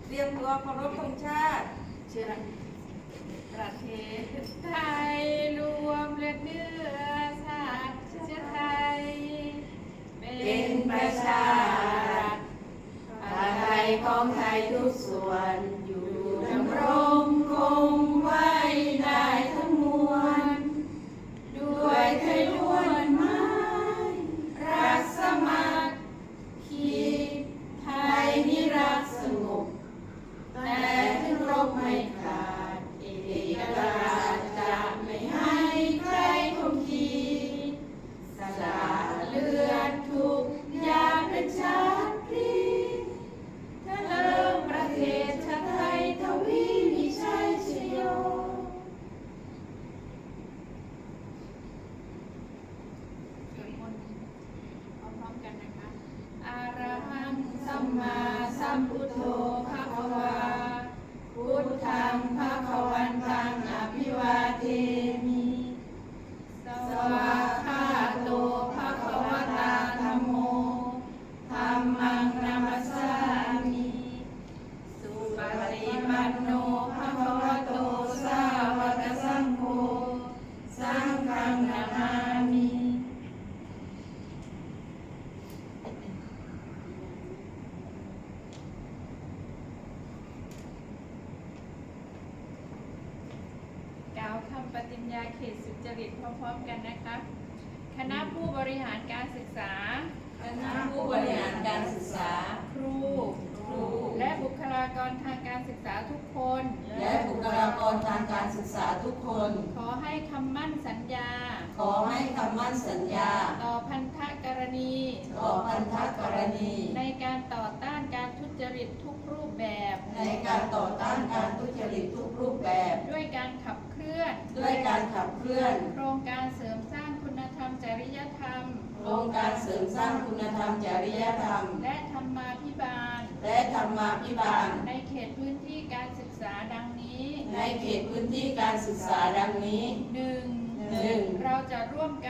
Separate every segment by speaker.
Speaker 1: เตรียมตัวเคารพธงชาติเชิญ
Speaker 2: ประเทศไทยรวมเลือดเนื้อชาติเชื้อไทย
Speaker 1: เป็นประชารัฐไทยของไทยทุกส่วนอยู่ดำรงคงไว้ได้ทั้งมวลด้วยไทยล้วนไม้รักสมัครคีไทยนิรักสงบแต่ถึงรบไม่ขาดเอกราชจะไม่ให้ใครข่มขีสละเลือดทุกอย่างเป็นชาติพลีถ้าเริ่มประเทศชาติไทยทวีมีชัยชโย
Speaker 2: สวดมนต์พร้อมๆกันนะคะอะระหังสัมมาสัมพุทโธภะคะวาพุทธังภะคะวันตังอภิวาเทมิสวากขาโตภะคะวตาธัมโมธัมมังนัมสสามิสุปฏิปันโนภะคะวะโตสาวกสังโฆสังฆังนามามิกล่าวคำปฏิญญาเขตสุจริตพร้อมๆกันนะคะคณะผู้บริหารการศึกษา
Speaker 1: คณะผู้บริหารการศึกษา
Speaker 2: ครูและบุคลากรทางการศึกษาทุกคน
Speaker 1: และบุคลากรทางการศึกษาทุกคน
Speaker 2: ขอให้คำมั่นสัญญา
Speaker 1: ขอให้คำมั่นสัญญา
Speaker 2: ต่อพันธกรณี
Speaker 1: ต่อพันธกรณี
Speaker 2: ในการต่อต้านการทุจริตทุกรูปแบบ
Speaker 1: ในการต่อต้านการทุจริตทุกรูปแบบ
Speaker 2: ด้วยการขับเคลื่อน
Speaker 1: ด้วยการขับเคลื่อน
Speaker 2: โครงการเสริมสร้างคุณธรรมจริยธรรม
Speaker 1: โครงการเสริมสร้างคุณธรรมจริยธรรม
Speaker 2: และธรรมาภิบาล
Speaker 1: และธรรมาภิบาล
Speaker 2: ในเขตพื้นที่การศึกษาดังนี้
Speaker 1: ในเขตพื้นที่การศึกษาดังนี้
Speaker 2: 1. เราจะร่วม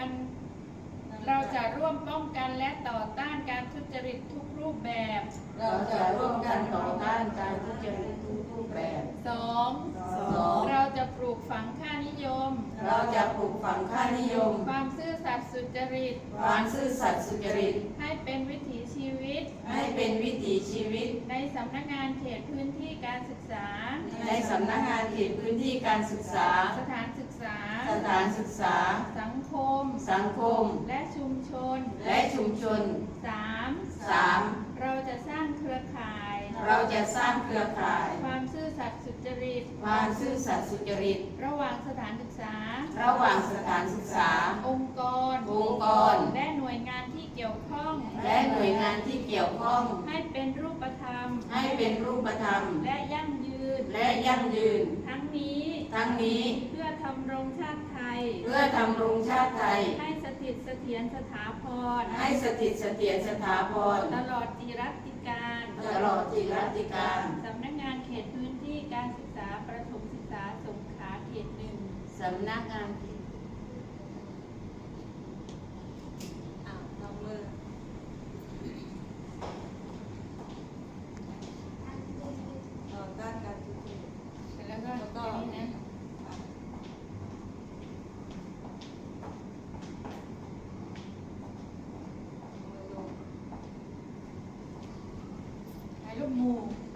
Speaker 2: ป้องกันและต่อต้านการทุจริตทุกรูปแบบ
Speaker 1: เราจะร่วมกันต่อต้านการทุจริตทุกรูปแบบ
Speaker 2: 2. เราจะปลูกฝังค่านิยม
Speaker 1: เราจะปลูกฝังค่านิยม
Speaker 2: ความซื่อสัตย์สุจริต
Speaker 1: ความซื่อสัตย์สุจริต
Speaker 2: ให้เป็นวิถีชีวิต
Speaker 1: ให้เป็นวิถีชีวิต
Speaker 2: ในสำนักงานเขตพื้นที่การศึกษา
Speaker 1: ในสำนักงานเขตพื้นที่การศึกษา
Speaker 2: สถานศึกษา
Speaker 1: สถานศึกษา
Speaker 2: สังคม
Speaker 1: สังคม
Speaker 2: และชุมชน
Speaker 1: และชุมชน
Speaker 2: 3. เราจะสร้างเครือข่าย
Speaker 1: เราจะสร้างเครือข่าย
Speaker 2: ความซื่อสัตย์สุจริต
Speaker 1: ความซื่อสัตย์สุจริต
Speaker 2: ระหว่างสถานศึกษา
Speaker 1: ระหว่างสถานศึกษา
Speaker 2: องค์กร และหน่วยงานที่เกี่ยวข้อง
Speaker 1: และหน่วยงานที่เกี่ยวข้อง
Speaker 2: ให้เป็นรูปธรรม
Speaker 1: ให้เป็นรูปธรรม
Speaker 2: และยั่งยืน
Speaker 1: และยั่งยืน
Speaker 2: ทั้งนี้ เพื่อทำรงชาติไทย
Speaker 1: เพื่อทำรงชาติไทย
Speaker 2: ให้สถิตเสถียรสถาพร
Speaker 1: ให้สถิตเสถียรสถาพร
Speaker 2: ตลอดจิรัติการ
Speaker 1: ตลอดจิรัติการ
Speaker 2: สำนักงานเขตพื้นที่การศึกษาประถมศึกษาสงขลาเขต 1
Speaker 1: สำนักงานลงมือต่อต้านการทุจริต
Speaker 2: แล้วก็อันนี้นะถ่ายรูปหมู่